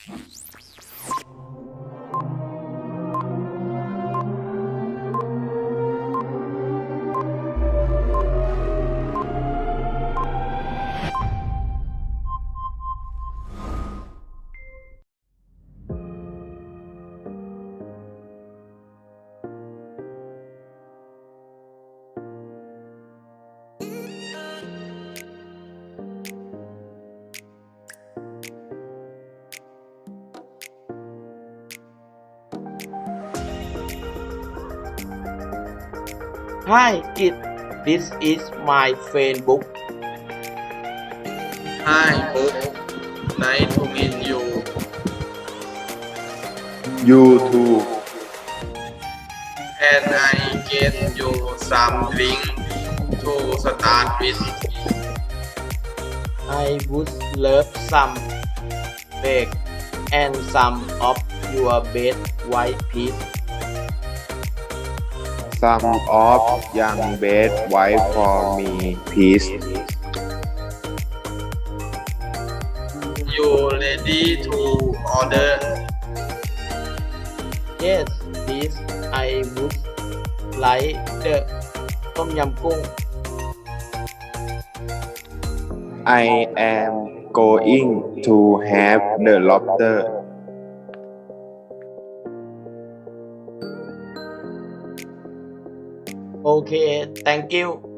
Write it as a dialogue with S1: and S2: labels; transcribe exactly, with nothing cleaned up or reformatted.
S1: Hi kid, this is my friend book.
S2: Hi, Bob. Nice to meet you.
S3: You too.
S2: Can I get you some drink to start with?
S1: I would love some bake and some of your best white peas.
S3: Some of young bed wife for me, please.
S2: You ready to order?
S1: Yes, please. I would like the tom yumกุ้ง
S3: I am going to have the lobster.
S1: Okay, thank you.